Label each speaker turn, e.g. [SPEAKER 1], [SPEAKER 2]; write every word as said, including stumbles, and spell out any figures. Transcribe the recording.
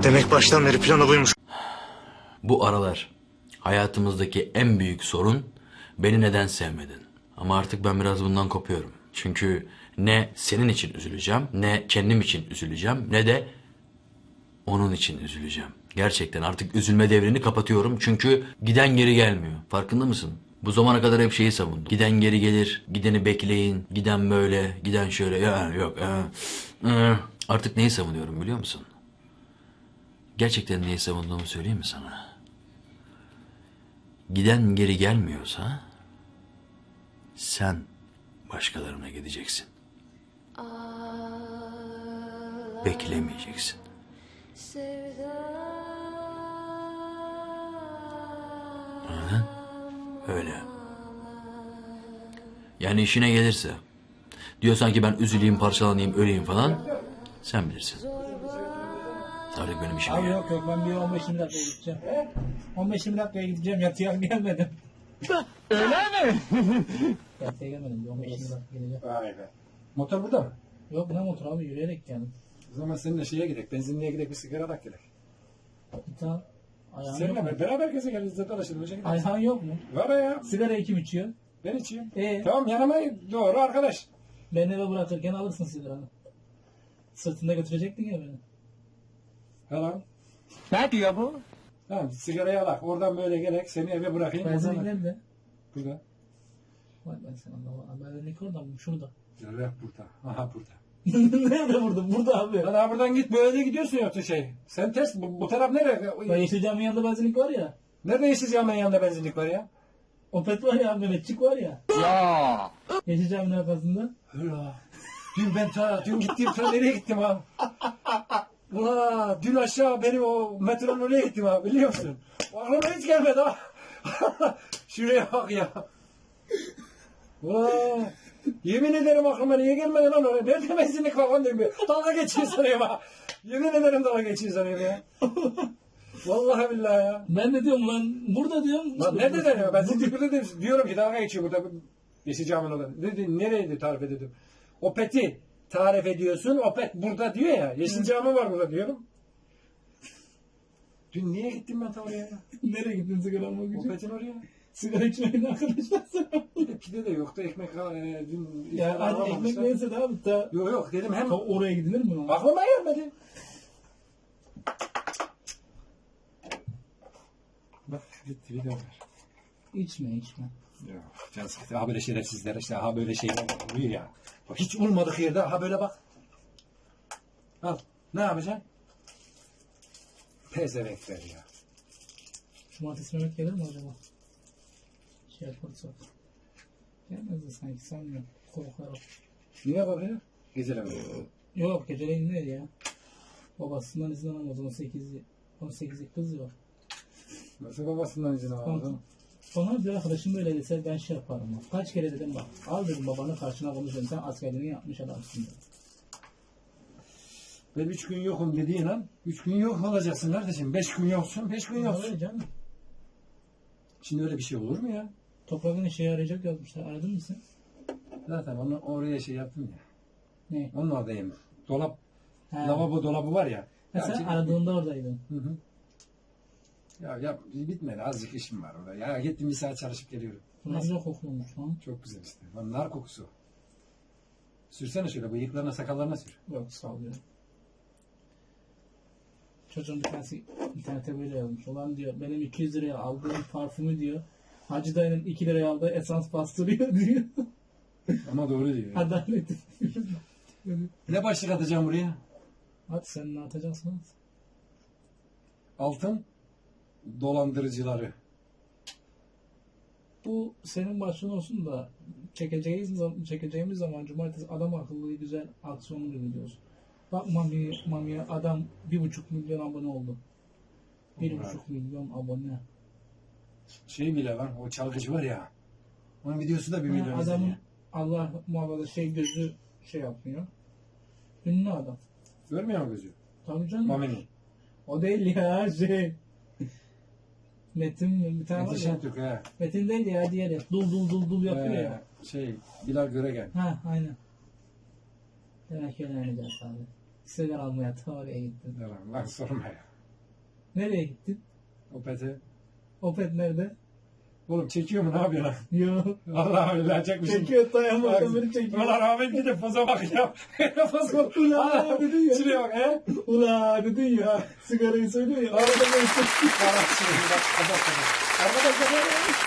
[SPEAKER 1] Demek baştan beri planı buymuş.
[SPEAKER 2] Bu aralar hayatımızdaki en büyük sorun beni neden sevmedin. Ama artık ben biraz bundan kopuyorum. Çünkü ne senin için üzüleceğim, ne kendim için üzüleceğim, ne de onun için üzüleceğim. Gerçekten artık üzülme devrini kapatıyorum çünkü giden geri gelmiyor. Farkında mısın? Bu zamana kadar hep şeyi savundum. Giden geri gelir, gideni bekleyin, giden böyle, giden şöyle. Ya yok. Ya. Artık neyi savunuyorum biliyor musun? Gerçekten neyi savunduğumu söyleyeyim mi sana? Giden geri gelmiyorsa sen başkalarına gideceksin. Beklemeyeceksin. Anladın? Öyle. Yani işine gelirse diyorsan ki ben üzüleyim, parçalanayım, öleyim falan, sen bilirsin. Artık benim işim
[SPEAKER 3] Abi
[SPEAKER 2] ya.
[SPEAKER 3] yok yok, ben bir on beş yirmi dakikaya gideceğim. on beş yirmi dakikaya gideceğim, yatıya gelmedim.
[SPEAKER 4] Öyle mi?
[SPEAKER 3] Yatıya gelmedim, bir on beş yirmi dakika geleceğim.
[SPEAKER 4] Vay be. Motor burada mı?
[SPEAKER 3] Yok ne motor abi, yürüyerek geldim.
[SPEAKER 4] O zaman seninle şeye gidelim, benzinliğe gidelim, bir sigara dak gidelim.
[SPEAKER 3] Bir tane ayağın yok
[SPEAKER 4] Seninle
[SPEAKER 3] mu?
[SPEAKER 4] be- beraber geze geliriz de dolaşalım. Hoca gidelim.
[SPEAKER 3] Ayhan yok mu?
[SPEAKER 4] Var ya.
[SPEAKER 3] Sigara kim içiyor?
[SPEAKER 4] Ben içeyim.
[SPEAKER 3] Ee?
[SPEAKER 4] Tamam yanıma doğru arkadaş.
[SPEAKER 3] Beni eve bırakırken alırsın sigaranı. Sırtında götürecektin ya beni.
[SPEAKER 4] Tamam.
[SPEAKER 5] Ne diyor bu?
[SPEAKER 4] Tamam sigarayı alak. Oradan böyle gerek seni eve bırakayım.
[SPEAKER 3] Benzinlik
[SPEAKER 4] Oradan-
[SPEAKER 3] nerede?
[SPEAKER 4] Burada.
[SPEAKER 3] Vay ben sen Allah'a. Benzinlik orada mı? Şurada.
[SPEAKER 4] Evet burada. Aha burada.
[SPEAKER 3] Nerede burada? Burada abi.
[SPEAKER 4] Lan ha buradan git böyle gidiyorsun yoksa şey. Sen ters bu, bu taraf
[SPEAKER 3] Ben
[SPEAKER 4] nereye?
[SPEAKER 3] Yeşil Cami'nin yanında benzinlik var ya.
[SPEAKER 4] Nerede Yeşil Cami'nin yanında benzinlik var ya?
[SPEAKER 3] Opet var ya, Mehmetçik var ya.
[SPEAKER 5] Ya.
[SPEAKER 3] Yeşil Cami'nin arkasında.
[SPEAKER 4] Hıla. Dün ben ta, dün gittim ta nereye gittim ha? Ula dün aşağı benim o metronun oraya gittim ha biliyor musun? Aklıma hiç gelmedi ha. Şuraya bak ya. Ula yemin ederim aklıma niye gelmedi lan oraya? Nerede benzinlik var lan diyorum. Dalga geçiyor sanıyorum ha. Yemin ederim dalga geçiyor sanıyorum ya. Vallahi billahi ya.
[SPEAKER 3] Ben de diyorum lan burada diyorum.
[SPEAKER 4] Lan nerede deniyor? Ben sizi burada diyorum, diyorum ki dalga geçiyor burada. Yeşil Cami'nin orada. Dedi, nereydi tarif edelim? Opet'i tarif ediyorsun. Opet burada diyor ya. Yeşil Cami var burada diyorum. Dün niye gittim ben ta oraya ya?
[SPEAKER 3] Nereye gittin sigara almak için?
[SPEAKER 4] Opet'in oraya.
[SPEAKER 3] Sigara içmeyin arkadaşlar.
[SPEAKER 4] Bir de pide de yoktu. Ekmek e, dün
[SPEAKER 3] Ya
[SPEAKER 4] iftar
[SPEAKER 3] hadi
[SPEAKER 4] alamamışlar.
[SPEAKER 3] ekmek neyse de abi ta,
[SPEAKER 4] Yok yok dedim hem
[SPEAKER 3] ta oraya gidilir mi lan?
[SPEAKER 4] aklıma gelmedi. Bak gitti bir de var.
[SPEAKER 3] İçme içme.
[SPEAKER 4] Yok can sıkıntı. Ha böyle şerefsizler işte ha böyle şeyler oluyor ya. Bak, hiç olmadık yerde ha böyle bak. Al ne yapacaksın? Pezevenkler ya.
[SPEAKER 3] Cumartesi Mehmet gelir mi acaba? Şey yaparsak. Gelmez de sanki sanmıyorum. Korkarım.
[SPEAKER 4] Niye bakıyor? Geceleme.
[SPEAKER 3] Yok geceleyin değil ya. Babasından izin alamaz. on sekiz on sekizlik kız var.
[SPEAKER 4] Nasıl babasından izin aldın?
[SPEAKER 3] Sonra bir arkadaşım böyle dese ben şey yaparım. Bak. Kaç kere dedim bak. Al dedim babanın karşına konuşuyorum. Sen askerliğini yapmış adamsın dedim.
[SPEAKER 4] Ben üç gün yokum dediğin an, üç gün yok olacaksın kardeşim. Beş gün yoksun, beş gün yoksun.
[SPEAKER 3] Öyle canım.
[SPEAKER 4] Şimdi öyle bir şey olur mu ya?
[SPEAKER 3] Toprağın işe yarayacak yazmışlar. Aradın mı sen?
[SPEAKER 4] Zaten onu oraya şey yaptım ya.
[SPEAKER 3] Ne?
[SPEAKER 4] Onun oradayım. Dolap,
[SPEAKER 3] He.
[SPEAKER 4] lavabo dolabı var ya.
[SPEAKER 3] Ha,
[SPEAKER 4] Ya
[SPEAKER 3] sen
[SPEAKER 4] şimdi-
[SPEAKER 3] aradığında oradaydın.
[SPEAKER 4] Hı hı. Ya, ya bitmedi. Azıcık işim var orada. Ya gittim bir saat çalışıp geliyorum.
[SPEAKER 3] Bu ne güzel kokluyormuş lan.
[SPEAKER 4] Çok güzel işte. Lan nar kokusu. Sürsene şöyle bıyıklarına sakallarına sür.
[SPEAKER 3] Yok sağ ol ya. Çocuğun bir tanesi internete böyle yazmış. Ulan diyor benim iki yüz liraya aldığım parfümü diyor. Hacı dayının iki liraya aldığı esans bastırıyor diyor.
[SPEAKER 4] Ama doğru diyor. Ya.
[SPEAKER 3] Adalet.
[SPEAKER 4] Ne başlık atacağım buraya?
[SPEAKER 3] Hadi sen ne atacaksın?
[SPEAKER 4] Altın dolandırıcıları.
[SPEAKER 3] Bu senin başlığın olsun da çekeceğimiz zaman, çekeceğimiz zaman cumartesi adam akıllı güzel aksiyonlu gidiyoruz. Bak Mami, Mami'ye adam bir buçuk milyon abone oldu. Bir
[SPEAKER 4] Allah.
[SPEAKER 3] buçuk milyon abone.
[SPEAKER 4] Şey bile var. O çalgıcı var ya. Onun videosu da bir
[SPEAKER 3] Ha,
[SPEAKER 4] milyon
[SPEAKER 3] adamın
[SPEAKER 4] izleniyor.
[SPEAKER 3] Allah muhafaza şey gözü şey yapmıyor. Ünlü adam.
[SPEAKER 4] Görmüyor mu gözü?
[SPEAKER 3] Tabii canım.
[SPEAKER 4] Mami'nin.
[SPEAKER 3] O değil ya şey. Metin mi? Bir tane var
[SPEAKER 4] Metin
[SPEAKER 3] ya.
[SPEAKER 4] Şentürk he.
[SPEAKER 3] Metin değil ya diğeri. Dul dul dul dul yapıyor
[SPEAKER 4] Ee,
[SPEAKER 3] ya.
[SPEAKER 4] Şey Bilal Göregen.
[SPEAKER 3] Ha aynen. Demek ki öyle abi. Sigara almaya ta oraya gittim.
[SPEAKER 4] Tamam lan sorma ya.
[SPEAKER 3] Nereye gittin?
[SPEAKER 4] Opet'e.
[SPEAKER 3] Opet nerede?
[SPEAKER 4] Oğlum çekiyor mu ne yapıyorsun?
[SPEAKER 3] Yo.
[SPEAKER 4] Allah öyle çekmişim.
[SPEAKER 3] Çekiyor dayanmadan beni çekiyor.
[SPEAKER 4] Ulan Ahmet bir de poza bak ya. Poza bak.
[SPEAKER 3] Ulan dedin ya.
[SPEAKER 4] Şuraya bak he.
[SPEAKER 3] Ulan dedin ya. Sigarayı söylüyor ya. Arada ben çektim.
[SPEAKER 4] Bak şimdi bak. Bak, bak, bak. Arkadaşlar